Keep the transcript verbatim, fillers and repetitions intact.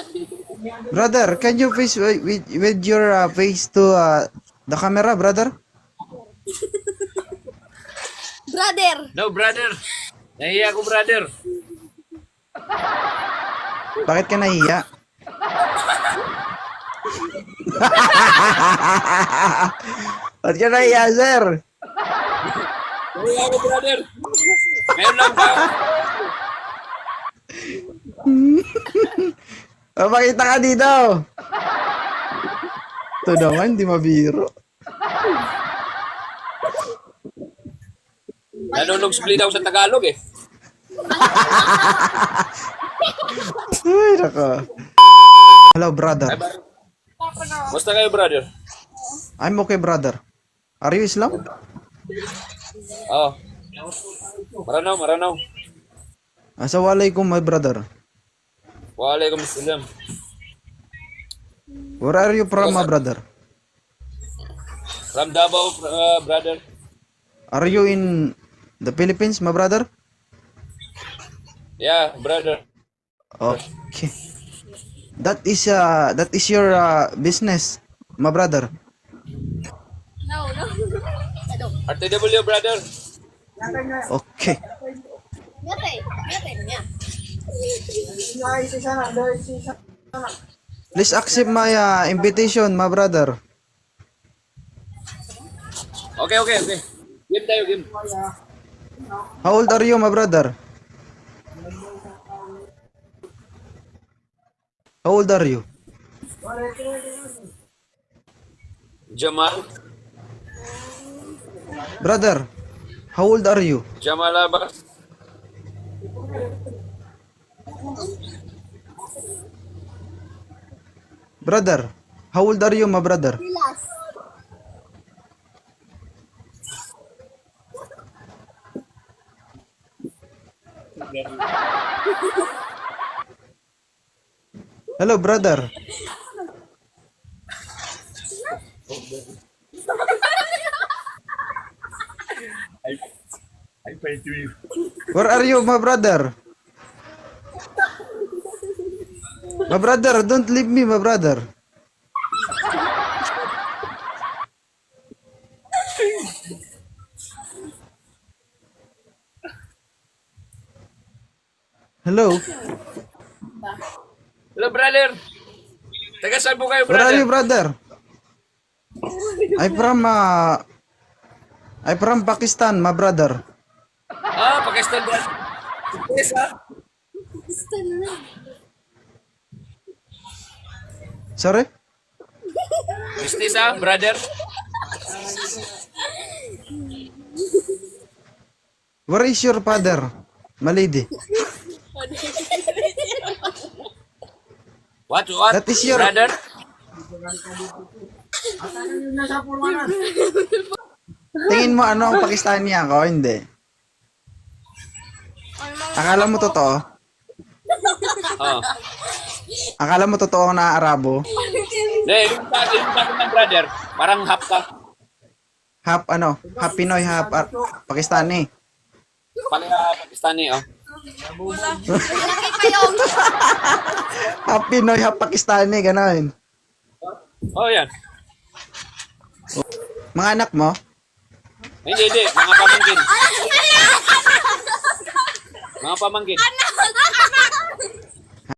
Brother, can you face with, with, with your uh, face to uh, the camera, brother? Brother. No, brother. Nahiya ako, brother. Bakit ka nahiya? Bakit ka nahiya, sir? Nahiya ako, brother. Ngayon lang ba? Papakita ka dito. Ito naman, di mabiro. Nanunong split daw sa Tagalog eh. Ay, nako. Hello, brother. Ay, ba- Basta kayo, brother? I'm okay, brother. Are you Islam? Oo. Maranaw, maranaw. Assalamualaikum, my brother. Waalaikumsalam. Where are you from, my brother? From Davao, uh, brother. Are you in the Philippines, my brother? Yeah, brother. Okay. That is uh that is your uh, business, my brother. No, no. Ano? R T W, brother. Okay. Ngate. Ngate niya. Please accept my uh, invitation, my brother. Okay, okay, okay. Game tayo, game. How old are you, my brother? How old are you? Jamal. Brother, how old are you? Jamal Abbas. Brother, how old are you, my brother? Pilas. Hello, brother. I, I pay to you. Where are you, my brother? My brother, don't leave me, my brother. Hello? Hello, brother. Taga saan po kayo, Where are you, brother? brother? I'm from, uh, I'm from Pakistan, my brother. Ah, Pakistan, brother. Yes, ah. Gusto na. Sorry? Business, ah, brother. Where is your father, my lady? What, what? That is your- Brother? Tingin mo ano ang Pakistani ako? Hindi. Akala mo totoo? Oh. Akala mo totoo na Arabo? Hindi, yung sa akin, yung sa akin ng brother, parang half ka. Half ano? Half Pinoy, half Ar- Pakistani. Pala Pakistani, oh. Malaki pa yung. Half Pinoy, half Pakistani, gano'n. Oh, yan. Mga anak mo? Hindi, hindi. Mga pamangkin. Mga pamangkin.